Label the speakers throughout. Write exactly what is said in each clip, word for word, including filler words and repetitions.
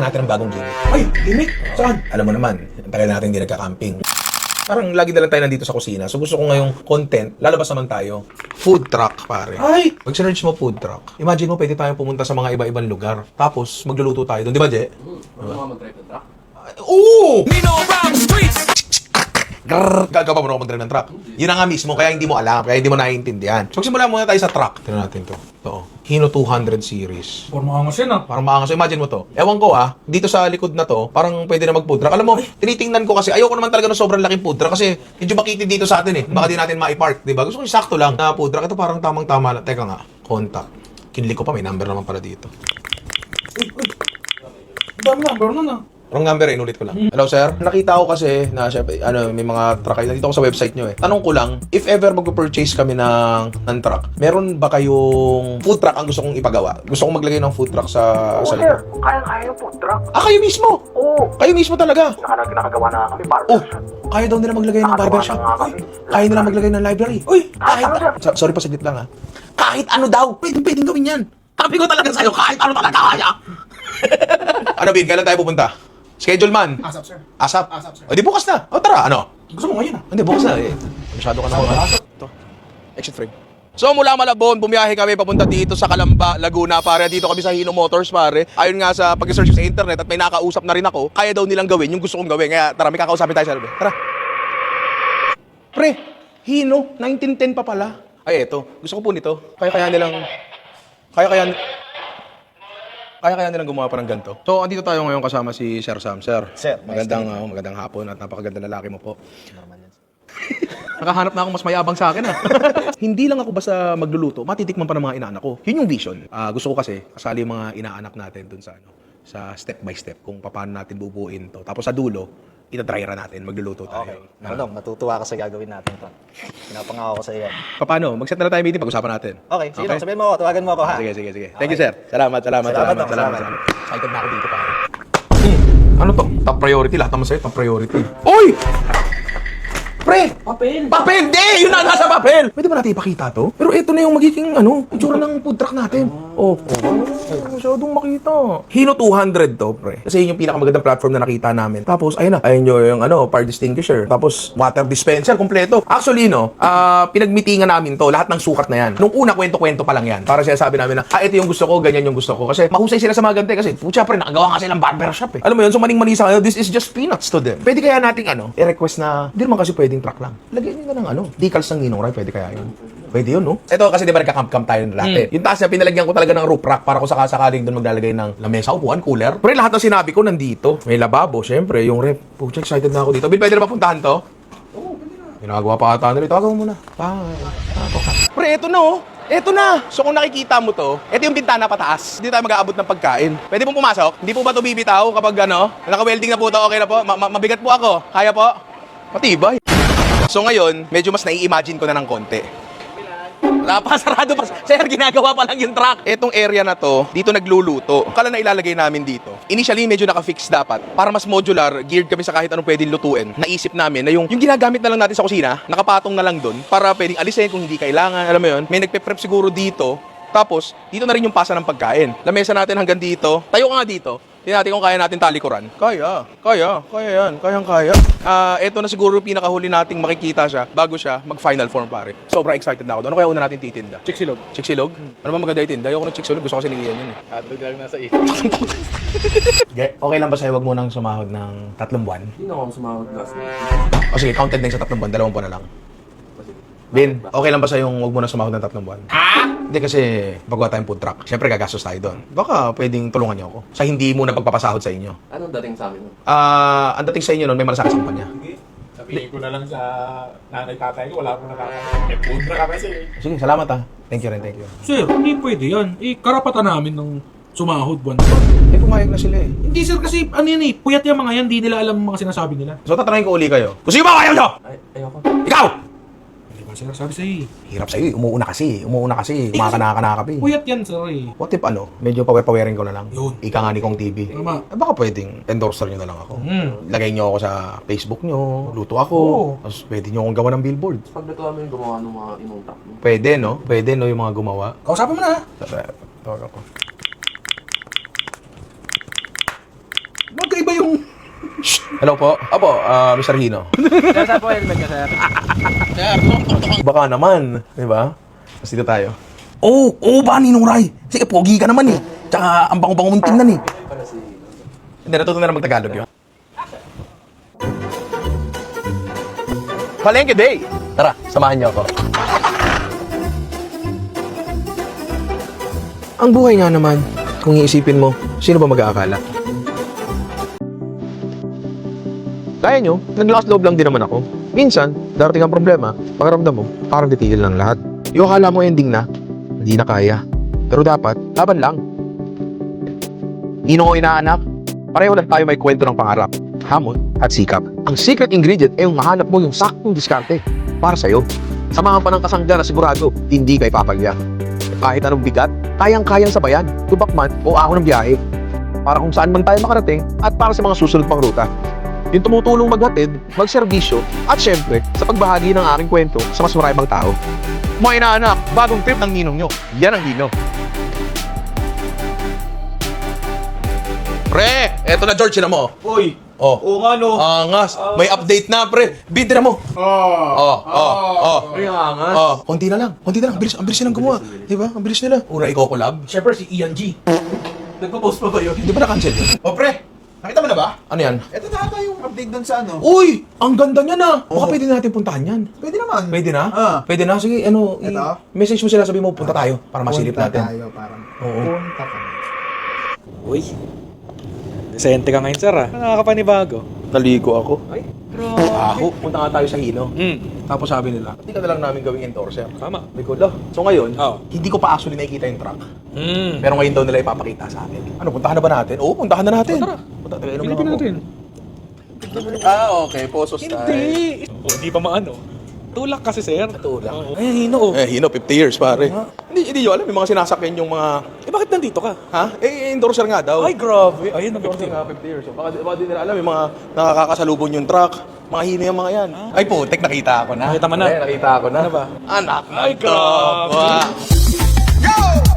Speaker 1: natin ang bagong gimmick.
Speaker 2: Ay, gimmick? Saan?
Speaker 1: Alam mo naman, ang tagal natin hindi nagka-camping. Parang lagi na lang tayo nandito sa kusina. So gusto ko ngayong content, lalabas naman tayo. Food truck, pare.
Speaker 2: Ay!
Speaker 1: Pag sinerge mo food truck, imagine mo pwede tayong pumunta sa mga iba-ibang lugar. Tapos magluluto tayo doon, di ba, Je?
Speaker 3: Ano mga mag-drive ng truck?
Speaker 1: Oo! Nino around the streets! Grrrr! Gagawa mo na ako mag-drive ng truck. Yun na nga mismo, kaya hindi mo alam, kaya hindi mo naiintindihan. So magsimula muna tayo sa truck. Tignan natin to. Ito, Hino two hundred series.
Speaker 2: Forma angas yan ah.
Speaker 1: Parang maangas. Imagine mo to. Ewan ko ah, dito sa likod na to, parang pwede na mag-food truck. Alam mo, tinitingnan ko kasi, ayoko naman talaga ng sobrang laking food truck kasi medyo makitid dito sa atin eh. Baka di natin ma-park, di ba? Gusto ko yung sakto lang na food truck. Ito parang tamang-tama lang. Teka nga, contact. Kinli ko pa, may number naman pala dito.
Speaker 2: Uy, uy. Dami number nun ah.
Speaker 1: Wrong number, inulit ko lang. Hello, sir. Nakita ko kasi na syempre, ano, may mga truck kayo. Nandito ko sa website nyo eh. Tanong ko lang, if ever mag-purchase kami ng, ng truck, meron ba kayong food truck ang gusto kong ipagawa? Gusto kong maglagay ng food truck sa,
Speaker 4: Oo,
Speaker 1: sa
Speaker 4: sir.
Speaker 1: likod.
Speaker 4: Kaya-kaya yung food truck.
Speaker 1: Ah, kayo mismo?
Speaker 4: Oo.
Speaker 1: Kayo mismo talaga?
Speaker 4: Naka, nakagawa na kami
Speaker 1: Oh,
Speaker 4: barbershop.
Speaker 1: kaya daw nila maglagay ng barbershop.
Speaker 4: Nakagawa na nga kami.
Speaker 1: Kaya nila maglagay ng library.
Speaker 2: Uy!
Speaker 1: Kahit,
Speaker 4: ano, sir?
Speaker 1: So- sorry pa, saglit lang ha. Kahit ano daw, pwedeng pwedeng gawin yan. Sabi ko talaga sa'yo, kahit ano talaga kaya. Ano, Bin, kailan tayo pupunta? Schedule man.
Speaker 2: Asap, sir.
Speaker 1: Asap?
Speaker 2: Asap, sir.
Speaker 1: O, di bukas na. O, tara, ano?
Speaker 2: Gusto mo ngayon ah.
Speaker 1: Hindi, bukas na eh. Masyado ka na. Ito. Exit frame. So mula Malabon, bumiyahe kami papunta dito sa Calamba, Laguna, pare. Dito kami sa Hino Motors, pare. Ayon nga sa pag-search sa internet at may nakausap na rin ako, kaya daw nilang gawin yung gusto kong gawin. Kaya tara, may kakausapin tayo sa loob. Tara. Pre, Hino, nineteen ten pa pala. Ay, eto. Gusto ko po nito. Kaya kaya nilang... Kaya kaya... Kaya kaya nilang gumawa pa ng ganito. So, andito tayo ngayon kasama si Sir Sam. Sir,
Speaker 5: Sir,
Speaker 1: magandang, oh, magandang hapon at napakaganda lalaki mo po. Nakahanap na ako mas mayabang sa akin ah. Hindi lang ako basta magluluto, matitikman pa ng mga inaanak ko. Yun yung vision. Ah, gusto ko kasi kasali yung mga inaanak natin dun sa ano, sa step by step kung paano natin bubuuin to. Tapos sa dulo, itadryera natin, magluluto
Speaker 5: Okay.
Speaker 1: tayo.
Speaker 5: Ano, matutuwa ka sa gagawin natin to. Pinapangako ko sa iyo.
Speaker 1: Paano? Mag-set na lang tayo meeting, pag-usapan natin.
Speaker 5: Okay, sige
Speaker 1: Okay.
Speaker 5: lang, sabihin mo ako, tawagan mo ako ha.
Speaker 1: Sige, sige, sige. Thank you, sir. Salamat, salamat,
Speaker 5: Salamat,
Speaker 1: salamat, salamat.
Speaker 5: salamat.
Speaker 1: salamat. Excited na ako dito, pare. Hmm. Ano to? Top priority. Lahat naman sa'yo, top priority. Oy! Pre!
Speaker 2: Papel.
Speaker 1: Papel! Di! Yun na nasa papel! Pwede ba natin ipakita to? Pero ito na yung magiging, ano, itsura ng food truck natin. Oh, oh. Masyadong makita. Hino two hundred to, pre. Kasi yun yung pinakamagandang platform na nakita namin. Tapos, ayun na. Ayun yung, yung ano, fire extinguisher. Tapos, water dispenser, kompleto. Actually, no, ah, pinagmitingan namin to. Lahat ng sukat na yan. Nung una, kwento-kwento pa lang yan. Para siya sabi namin na, ah, ito yung gusto ko, ganyan yung gusto ko. Kasi mahusay sila sa mga ganite. Kasi, pucha, pre, nakagawa nga silang barbershop eh. Alam mo yun, so maning-mani sa kanila, this is just peanuts to them. Pwede kaya nating, ano, i-request na, hindi naman kasi pwedeng truck lang. Lagyan nyo na ng, ano, decals ng Ninong Ray, pwede kaya yun. Pwede yun, no? Ito kasi di ba nagka-camp-camp tayo ng latte. Yung taas niya, pinalagyan ko talaga ng roof rack para kung sakasakaling doon maglalagay ng lamesa, upuan, cooler. Pero lahat ng sinabi ko nandito. May lababo, syempre, yung rep. Pucha, excited na ako dito. Bill, pwede na ba puntahan to? Oo, pwede na. Ginagawa pa ata nila. Tawagan mo muna. Bye. Pre, eto na oh. Eto na! So kung nakikita mo to, eto yung bintana pataas. Hindi tayo mag-aabot ng pagkain. Pwede pong pumasok? Hindi po ba ito bibitaw kapag ano? Naka-welding na po ito, okay na po? Ma- ma- mabigat po ako. Kaya po? Matibay. So ngayon, medyo mas nai-imagine ko na ng konti. Napakasarado pa. Sir, ginagawa pa lang yung truck. Etong area na to, dito nagluluto. Kala na ilalagay namin dito. Initially, medyo naka-fix dapat. Para mas modular, geared kami sa kahit anong pwedeng lutuin. Naisip namin na yung, yung ginagamit na lang natin sa kusina, nakapatong na lang doon para pwedeng alisin kung hindi kailangan. Alam mo yun? May nagpe-prep siguro dito. Tapos, dito na rin yung pasa ng pagkain. Lamesa natin hanggang dito. Tayo ka nga dito. Tingnan natin kung kaya natin talikuran. Kaya, kaya, kaya yan. Kayang kaya. Ah, eto na siguro yung pinakahuli nating makikita siya bago siya mag-final form, pare. Sobrang excited na ako doon. Ano kaya una natin titinda?
Speaker 2: Chiksilog.
Speaker 1: Chiksilog? Ano ba maganda itinda? Ayoko ng chiksilog. Gusto ko kasi ni Ian yun eh.
Speaker 3: Hotdog lang nasa isip.
Speaker 1: Okay lang ba sa'yo wag mo nang sumahod ng tatlong buwan?
Speaker 3: Hindi na ako sumahod last week.
Speaker 1: O sige, counted na yung sa tatlong buwan. Dalawang buwan na lang. Bin, okay lang ba sa'yo yung wag mo nang sumahod ng tatlong buwan? Ha? Hindi kasi paggawa tayong food truck. Siyempre gagastos tayo doon. Baka pwedeng tulungan niyo ako. Sa hindi mo na pagpapasahod sa inyo.
Speaker 3: Anong dating sa akin?
Speaker 1: Ah, ang dating sa inyo noon may malasakit sa kumpanya.
Speaker 2: Sige. Sabihin ko na lang sa nanay tatay ko, wala akong nakakasama. Eh, food truck ka kasi.
Speaker 1: Sige, salamat ah. Thank you rin, thank you.
Speaker 6: Sir, hindi pwede yan. Eh, karapatan namin ng sumahod buwan.
Speaker 1: Eh, pumayag na sila eh.
Speaker 6: Hindi sir, kasi ano yan eh, puyat yung mga yan, hindi nila alam ang mga sinasabi nila.
Speaker 1: So, tatanungin ko uli kayo. Kung sino ba ayaw nyo?
Speaker 3: Ay, ayoko.
Speaker 1: Ikaw!
Speaker 6: Hindi ba sir, sabi sa'yo eh.
Speaker 1: Hirap sa'yo eh. Umuuna kasi. Umuuna kasi. Kumakanaka-naka pa eh.
Speaker 6: Puyat yan sir eh.
Speaker 1: What if ano, medyo power-powering ko na lang?
Speaker 6: Yun.
Speaker 1: Ika nga ni Kong T V.
Speaker 6: Tama.
Speaker 1: Eh, baka pwedeng endorser nyo na lang ako.
Speaker 6: Hmm.
Speaker 1: Lagay nyo ako sa Facebook nyo, luto ako,
Speaker 6: Oo.
Speaker 1: tapos pwede nyo akong gawa ng billboard.
Speaker 3: Paglutuan mo yung gumawa ng mga inong truck mo.
Speaker 1: Pwede, no? Pwede, no, yung mga gumawa.
Speaker 6: Kausapin mo na ha.
Speaker 1: Tawag ako. Shh! Hello po. Apo, ah, Mister Hino.
Speaker 5: Sir, saan po helmet ka, sir?
Speaker 1: Baka naman, di ba? Mas dito tayo. Oo, oh, oo ba, Ninong Ray? Sige, pogi ka naman eh. Tsaka, ang bango-bango mong tingnan eh. Hindi, natuto na lang mag-Tagalog yun. Palengke Day! Tara, samahan niyo ako. Ang buhay nga naman, kung iisipin mo, sino ba mag-aakala? Kaya nyo, naglakas loob lang din naman ako. Minsan, darating ang problema, pakiramdam mo, parang titigil lang lahat. Yung akala mo ending na, hindi na kaya. Pero dapat, laban lang. Ninong ko inaanak, pareho lang tayo may kwento ng pangarap, hamon at sikap. Ang secret ingredient ay yung mahanap mo yung saktong diskarte para sa'yo. Samahan pa ng kasangga na sigurado, hindi ka ipapagya. Kahit anong bigat, kayang-kayang sabayan, tubak man o ahon ng biyahe. Para kung saan man tayo makarating at para sa mga susunod pang ruta. Yung tumutulong maghatid, magserbisyo, at syempre, sa pagbahagi ng aking kwento sa mas maraming tao. Mga inaanak, bagong trip ng ninong nyo. Yan ang Hino. Pre, eto na George, sila mo.
Speaker 6: Uy!
Speaker 1: Oh.
Speaker 6: Oo nga no.
Speaker 1: Angas. May update na, pre. Bintira mo.
Speaker 6: Oh.
Speaker 1: Oh, oh, oh.
Speaker 3: Ay, angas.
Speaker 1: Oh, konti na lang. Konti na lang. Ang bilis, ang bilis nilang gumawa. Di ba? Ang bilis nila. Una, ikaw collab.
Speaker 6: Siyempre si Ian G. Nagpo-post pa ba yun?
Speaker 1: Di ba na-cancel yun?
Speaker 6: O pre, nakita mo na ba?
Speaker 1: Ano yan?
Speaker 6: Ito na ata yung update dun sa ano.
Speaker 1: Uy! Ang ganda niya na! Baka pwede natin puntahan yan.
Speaker 6: Pwede naman.
Speaker 1: Pwede na?
Speaker 6: Ah.
Speaker 1: Pwede na? Sige, ano, i-
Speaker 6: Ito?
Speaker 1: message mo sila, sabi mo, punta tayo para masilip
Speaker 6: Punta
Speaker 1: natin.
Speaker 6: tayo, parang.
Speaker 1: Oo.
Speaker 6: Punta ka.
Speaker 5: Uy. Desente ka ngayon, sir, ah. Nakakapanibago.
Speaker 1: Naligo ako.
Speaker 5: Ay,
Speaker 1: Ako, punta nga tayo sa Hino.
Speaker 5: Hmm.
Speaker 1: Tapos sabi nila, hindi ka na lang namin gawing endorser.
Speaker 5: Tama.
Speaker 1: Sabi ko, "Lah." So ngayon,
Speaker 5: Oo.
Speaker 1: hindi ko pa actually nakikita yung truck.
Speaker 5: Hmm.
Speaker 1: Pero ngayon daw nila ipapakita sa atin. Ano, puntahan na ba natin? Oo, puntahan na natin.
Speaker 5: Tara.
Speaker 1: Punta, tayo, inom lang
Speaker 5: Pilipin
Speaker 1: ako.
Speaker 5: natin.
Speaker 1: Ah, okay. Posos tayo.
Speaker 5: Hindi. Oh, hindi pa maano. Tulak kasi, sir.
Speaker 1: Tulak.
Speaker 5: Oo. Ay, hino, oh.
Speaker 1: Eh, Hino, fifty years, pare. Hindi, hindi nyo alam, yung mga sinasakyan yung mga...
Speaker 5: Eh, bakit nandito ka?
Speaker 1: Ha? Eh, endorser nga daw.
Speaker 5: Ay, grabe. Ayun,
Speaker 1: Endorser
Speaker 5: nag-fifty.
Speaker 1: nga, fifty years. So, baka, baka di nila alam, yung mga nakakakasalubong yung truck. Mga Hino yung mga yan. Ay, putek, nakita ako na.
Speaker 5: Nakita mo na?
Speaker 1: Eh, nakita ako na.
Speaker 5: Ano ba?
Speaker 1: Anak na
Speaker 5: Ay, grabe.
Speaker 7: Yo!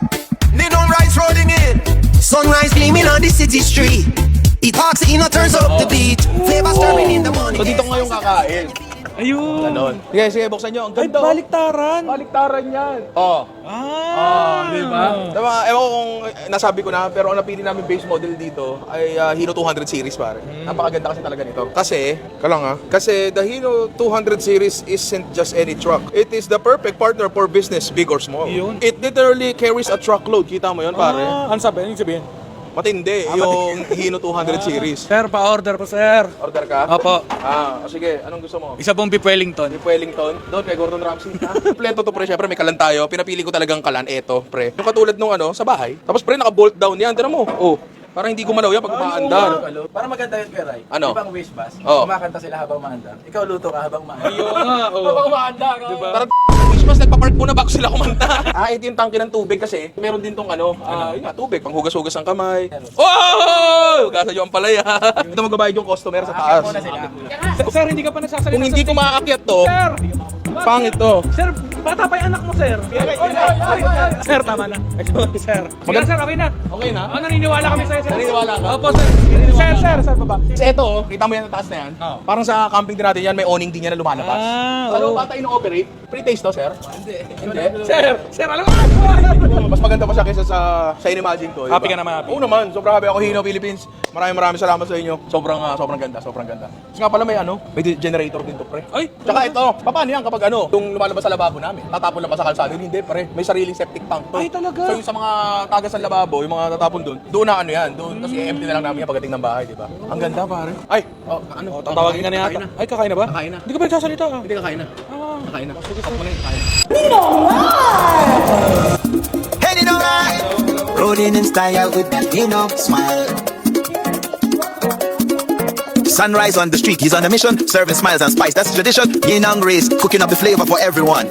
Speaker 7: Neon rise rolling in. Sunrise gleaming on the city street. It talks, it turns up the beat. Flavor stirring in the morning.
Speaker 1: So, dito ngayong kakain.
Speaker 5: Ayun.
Speaker 1: Ganon. Sige, sige, buksan nyo. Ang
Speaker 5: Ay,
Speaker 1: ganda. oh.
Speaker 5: baliktaran.
Speaker 1: Baliktaran yan. Oh.
Speaker 5: Ah.
Speaker 1: Di ba? Diba, ewan ko kung eh, nasabi ko na, pero ang napili namin base model dito ay ah, Hino two hundred series, pare. Napakaganda kasi talaga nito. Kasi, kalang ha, kasi the Hino two hundred series isn't just any truck. It is the perfect partner for business, big or small.
Speaker 5: Yun.
Speaker 1: It literally carries a truckload. Kita mo yun, pare?
Speaker 5: Ah, ano sabi? Ano yung sabihin?
Speaker 1: Matindi, yung Hino two hundred series.
Speaker 5: Sir, pa-order po, sir.
Speaker 1: Order ka?
Speaker 5: Opo.
Speaker 1: Ah, o sige, anong gusto mo?
Speaker 5: Isa pong beef Wellington.
Speaker 1: Beef Wellington, doon kay Gordon Ramsay. Kompleto to, pre. Siyempre, may kalan tayo. Pinapili ko talagang kalan. Eto, pre. Yung katulad nung ano, sa bahay. Tapos, pre, naka-bolt down yan. Tinan mo. Oh. Parang hindi gumalaw yan pag umaandar.
Speaker 8: Para maganda yun, Peray.
Speaker 1: Ano?
Speaker 8: Di ba ang wish bus?
Speaker 1: Oo.
Speaker 8: Kumakanta sila habang maandar. Ikaw luto ka habang maandar.
Speaker 5: Ayun nga, oh.
Speaker 8: Habang maandar. Diba?
Speaker 1: Parang Christmas, nagpa-park muna bago sila kumanta. Ah, ito yung tangke ng tubig kasi. Meron din tong ano, ah, yun nga, tubig. Panghugas-hugas ng kamay. Oh! Hugasan nyo ang palaya. Ito magbabayad yung customer sa taas.
Speaker 8: Muna sila.
Speaker 5: Sir, hindi ka pa nagsasalita.
Speaker 1: Kung hindi ko makakakyat to,
Speaker 5: Sir!
Speaker 1: pangit to.
Speaker 5: Sir, bata pa yung anak mo, sir. Sir, tama na. Sir. Sige, sir, okay na.
Speaker 1: Okay na?
Speaker 5: Oh, naniniwala kami sa'yo, sir.
Speaker 1: Naniniwala ka?
Speaker 5: Opo, sir. Sir, sir, sir, baba.
Speaker 1: Kasi ito, oh, kita mo yan sa taas na yan.
Speaker 5: Oo.
Speaker 1: Parang sa camping din natin yan, may awning din yan na lumalabas.
Speaker 5: Ah,
Speaker 1: Ano
Speaker 5: oo.
Speaker 1: bata ino-operate? Pre-taste to, sir? Hindi. Hindi?
Speaker 5: Sir, sir, alam mo.
Speaker 1: Mas maganda pa siya kaysa sa sa Inimagine ko.
Speaker 5: Happy ka naman, happy.
Speaker 1: Oo naman. Sobrang happy ako, Hino Philippines. Maraming maraming salamat sa inyo. Sobrang ah, sobrang ganda, sobrang ganda. Kasi nga pala may ano, may generator din to, pre.
Speaker 5: Ay,
Speaker 1: Tsaka ito, paano yan kapag ano, yung lumalabas sa lababo namin, tatapon lang ba sa kalsada? Hindi, pre. May sariling septic tank to.
Speaker 5: Ay, talaga?
Speaker 1: So yung sa mga tagas ng lababo, yung mga tatapon doon, doon na ano yan, doon. Tapos i-empty na lang namin yan pagdating ng bahay, di ba? Ang ganda, pare. Ay, oh, ano?
Speaker 5: oh, tatawagin ka na yata. Ay, kakain na ba?
Speaker 1: Kakain na.
Speaker 5: Hindi ka ba nagsasalita, ah?
Speaker 1: Hindi kakain na.
Speaker 5: Ah.
Speaker 1: Kakain na. Sige, stop mo na yun. Kakain na.
Speaker 7: Heading alright. Rolling in style with that Nino smile. Sunrise on the street, he's on a mission. Serving smiles and spice, that's tradition. Yin and Grace, cooking up the flavor for everyone.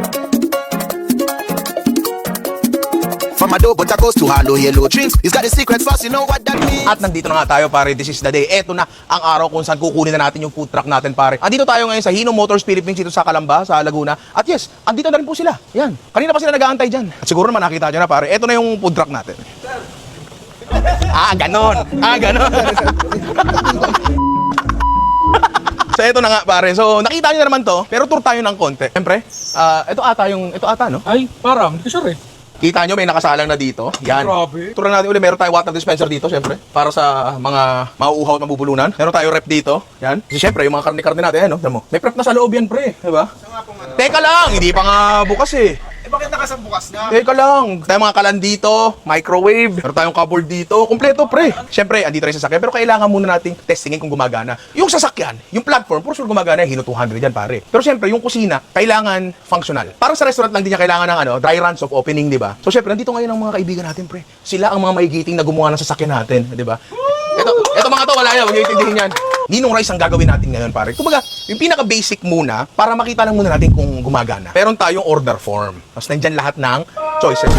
Speaker 7: From adobo tacos to halo yellow drinks, he's got a secret sauce, you know what that means.
Speaker 1: At nandito na nga tayo, pare. This is the day. Eto na ang araw kung saan kukunin na natin yung food truck natin, pare. Andito tayo ngayon sa Hino Motors Philippines dito sa Calamba, sa Laguna. At yes, andito na rin po sila. Yan. Kanina pa sila nag-aantay dyan. At siguro naman nakita nyo na, pare. Eto na yung food truck natin. Ah, ganon. Ah, ganon. So, eto na nga, pare. So, nakita nyo na naman to, pero tour tayo ng konti. Siyempre, ah, ito ata yung, ito ata, no?
Speaker 6: Ay, parang, hindi ko sure eh.
Speaker 1: Kita nyo, may nakasalang na dito. Yan.
Speaker 6: Grabe.
Speaker 1: Turan natin uli, meron tayong water dispenser dito, syempre. Para sa mga mauuhaw at mabubulunan. Meron tayong rep dito. Yan. Kasi syempre, yung mga karne-karne natin, ano, mo. May prep na sa loob yan, pre. Diba? Teka lang, hindi pa nga bukas eh.
Speaker 2: Eh, bakit nakasang bukas na?
Speaker 1: Teka lang, tayong mga kalan dito, microwave, meron tayong cupboard dito, kumpleto pre. Siyempre, andito rin yung sasakyan, pero kailangan muna nating testingin kung gumagana. Yung sasakyan, yung platform, for sure gumagana, Hino two hundred yan pare. Pero siyempre, yung kusina, kailangan functional. Parang sa restaurant lang din niya kailangan ng ano, dry runs of opening, di ba? So siyempre, nandito ngayon ang mga kaibigan natin pre. Sila ang mga maigiting na gumawa ng sasakyan natin, di ba? Ito, ito mga to, wala yan, huwag niyo itindihin yan. Ninong rice ang gagawin natin ngayon, pare. Kumbaga, yung pinaka-basic muna, para makita lang muna natin kung gumagana. Meron tayong order form. Tapos nandyan lahat ng choices.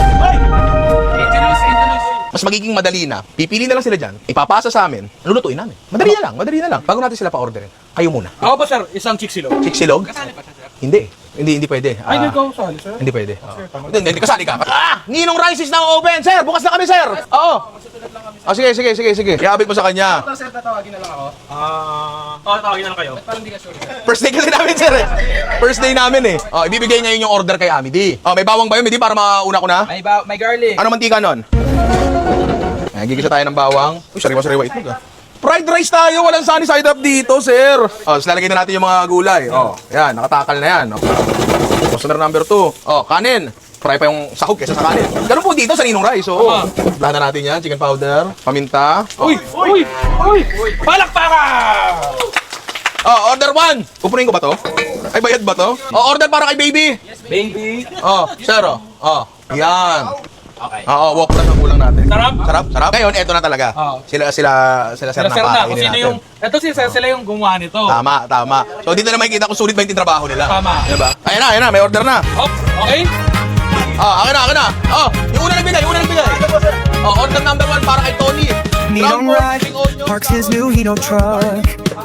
Speaker 1: Mas magiging madali na. Pipili na lang sila dyan. Ipapasa sa amin. Lulutuin namin. Madali na lang, madali na lang. Bago natin sila pa-orderin. Kayo muna.
Speaker 6: Ako ba sir, isang chicks-silog?
Speaker 1: Chiksilog? Hindi. Hindi, hindi pwede.
Speaker 6: Ay,
Speaker 1: Ah,
Speaker 6: hindi ko sali sir.
Speaker 1: hindi pwede. Oo. Hindi, hindi, hindi, kasali ka. Ah! Ninong Rice is now open, sir! Bukas na kami, sir! Oo! Oh, sige, sige, sige, sige. Iabit mo sa kanya.
Speaker 8: Sir, tatawagin na lang ako.
Speaker 6: Ah, uh, tawagin na lang kayo.
Speaker 8: Parang hindi ka sure.
Speaker 1: First day kasi namin, sir. eh. First day namin eh. Oh, ibibigay niya yung order kay Amity. Oh, may bawang ba yun, Midi, para mauna ko na?
Speaker 8: May, ba may garlic.
Speaker 1: Ano mantika nun? Ayan, gigisa tayo ng bawang. Uy, sariwa-sariwa itlog ah. Fried rice tayo, walang sunny side up dito, sir. Oh, tapos lalagay na natin yung mga gulay. Oh, yan, nakatakal na yan. Oh. Customer number two. Oh, kanin. Fry pa yung sahog kesa sa kanin. Ganun po dito sa Ninong Rice. So, oh. Lahat na natin yan. Chicken powder, paminta.
Speaker 6: Uy! Uy! Uy! Palakpakan!
Speaker 1: Oh, order one. Kupunin ko ba to? Ay, bayad ba to? Oh, order para kay baby.
Speaker 8: Baby.
Speaker 1: Oh, sir, oh. Oh, yan. Okay. Oo, walk lang ang ulang natin.
Speaker 6: Sarap?
Speaker 1: Sarap, sarap. Ngayon, eto na talaga.
Speaker 6: Oo.
Speaker 1: Sila, sila, sila, sir
Speaker 6: Sila
Speaker 1: na
Speaker 6: sir na, kung
Speaker 1: kakainin
Speaker 6: sino
Speaker 1: natin.
Speaker 6: yung... Ito si sir, sila yung gumawa nito.
Speaker 1: Tama, tama. So, dito na makikita kung sulit ba yung trabaho nila.
Speaker 6: Tama.
Speaker 1: Diba? Ayan na, ayan na, may order na.
Speaker 6: Hop, okay?
Speaker 1: Ah, akin na, akin na. Oh, yung una nagbigay, yung una nagbigay. Oh, order number one para kay Tony.
Speaker 9: Neon
Speaker 1: Ground pork,
Speaker 9: Ride
Speaker 1: spring onion.
Speaker 9: parks his new Hino truck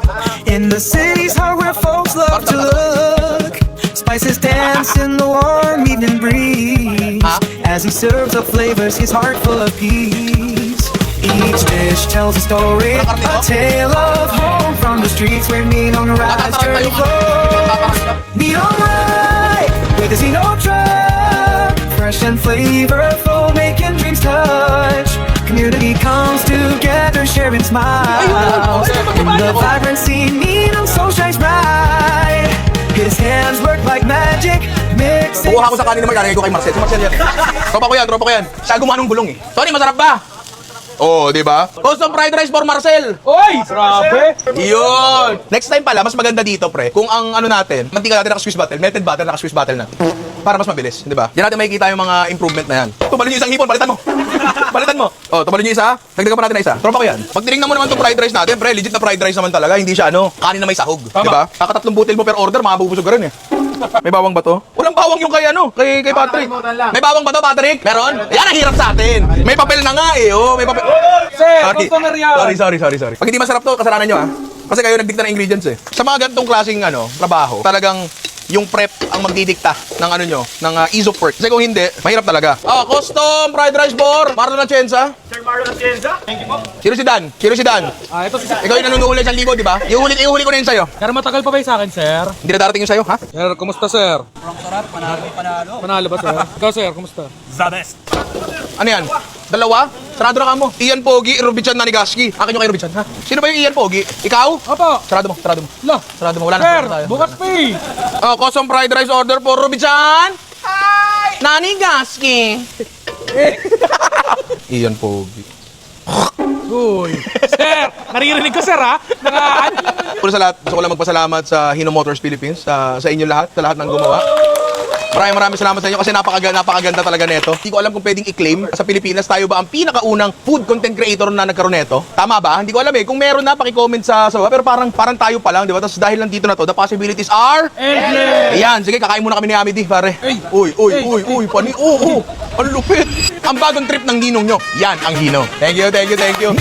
Speaker 9: in the city's heart where folks love to look. Spices dance in the warm evening breeze as he serves up flavors, his heart full of peace. Each dish tells a story, a tale of home from the streets where Neon Ride's journey flows. Neon Ride with his Hino truck, fresh and flavorful, making dreams touch. Community comes together, sharing smiles. In the vibrancy, Ninong soul shines bright. His hands work like magic, mixing.
Speaker 1: Kukuha ko sa kanin naman, lalagay ko kay Marcel. Si Marcel yan. Tropa ko yan, tropa ko yan. Siya gumawa ng gulong eh. Tony, masarap ba? Oh, di ba? Custom fried rice for Marcel.
Speaker 6: Uy! Grabe!
Speaker 1: Yun! Next time pala, mas maganda dito, pre. Kung ang ano natin, mantika natin naka-squeeze bottle, melted butter naka-squeeze bottle natin. Para mas mabilis, di ba? Diyan natin makikita yung mga improvement na yan. Tumalon yung isang hipon, palitan mo. Palitan mo. Oh, tumalon yung isa. Dagdagan pa natin na isa. Tropa ko yan. Pag tinignan mo naman itong fried rice natin, pre, legit na fried rice naman talaga. Hindi siya ano, kanin na may sahog. Di ba? Kakatatlong butil mo per order, makabubusog ka rin eh. May bawang ba to? Walang bawang yung kay ano, kay, kay Patrick. May bawang ba to, Patrick? Meron? Yan ang hirap sa atin. May papel na nga eh, oh. May papel.
Speaker 6: Sir,
Speaker 1: Sorry.
Speaker 6: customer yan!
Speaker 1: Sorry, sorry, sorry, sorry. Pag hindi masarap to, kasalanan nyo ah. Kasi kayo nagdikta ng ingredients eh. Sa mga ganitong klaseng ano, trabaho, talagang yung prep ang magdidikta ng ano nyo, ng uh, ease of work. Kasi kung hindi, mahirap talaga. Ah, custom fried rice for Marlon Atienza.
Speaker 2: Sir Mario Atienza, thank you po.
Speaker 1: Sino si Dan? Sino si Dan?
Speaker 6: Ah, ito si sir.
Speaker 1: Ikaw yung nanunuhuli isang libo, di ba? Ihuli, ihuli ko na yun sa'yo.
Speaker 6: Sir, matagal pa ba yung sa akin, sir?
Speaker 1: Hindi na darating yun sa'yo, ha?
Speaker 6: Sir, kumusta, sir? Parang sarap, panalo, panalo. Panalo ba, sir? Ikaw, sir, kumusta?
Speaker 1: Ano yan? Dalawa? Sarado na ka mo. Ian Pogi, Rubichan Nanigaski. Akin yung kay Rubichan, ha? Sino ba yung Ian Pogi? Ikaw?
Speaker 6: Opo!
Speaker 1: Sarado mo, sarado mo.
Speaker 6: Lah!
Speaker 1: Sarado mo, wala na.
Speaker 6: Sir,
Speaker 1: wala tayo.
Speaker 6: bukas pa eh!
Speaker 1: Oh, custom fried rice order for Rubichan. Hi! Nanigaski. Ian Pogi.
Speaker 6: Uy! Sir! Naririnig ko, sir, ha? Naka...
Speaker 1: Una sa lahat, gusto ko lang magpasalamat sa Hino Motors Philippines, sa, sa inyo lahat, sa lahat ng gumawa. Maraming maraming salamat sa inyo kasi napakaganda, napakaganda talaga neto. Hindi ko alam kung pwedeng i-claim sa Pilipinas tayo ba ang pinakaunang food content creator na nagkaroon neto. Tama ba? Hindi ko alam eh. Kung meron na, paki-comment sa sa baba. Pero parang parang tayo pa lang, di ba? Tapos dahil lang dito na to, the possibilities are
Speaker 6: Endless!
Speaker 1: Ayan, sige, kakain muna kami ni Amity, pare.
Speaker 6: Hey!
Speaker 1: Uy, uy,
Speaker 6: Hey!
Speaker 1: uy, uy, pani, oh, oh, ang lupit. Ang bagong trip ng ninong nyo, yan ang Hino. Thank you, thank you, thank you.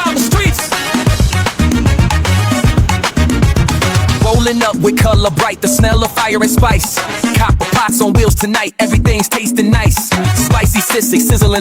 Speaker 10: Rolling up with color bright, the smell of fire and spice. Copper pots on wheels tonight, everything's tasting nice. Spicy, sissy, sizzling.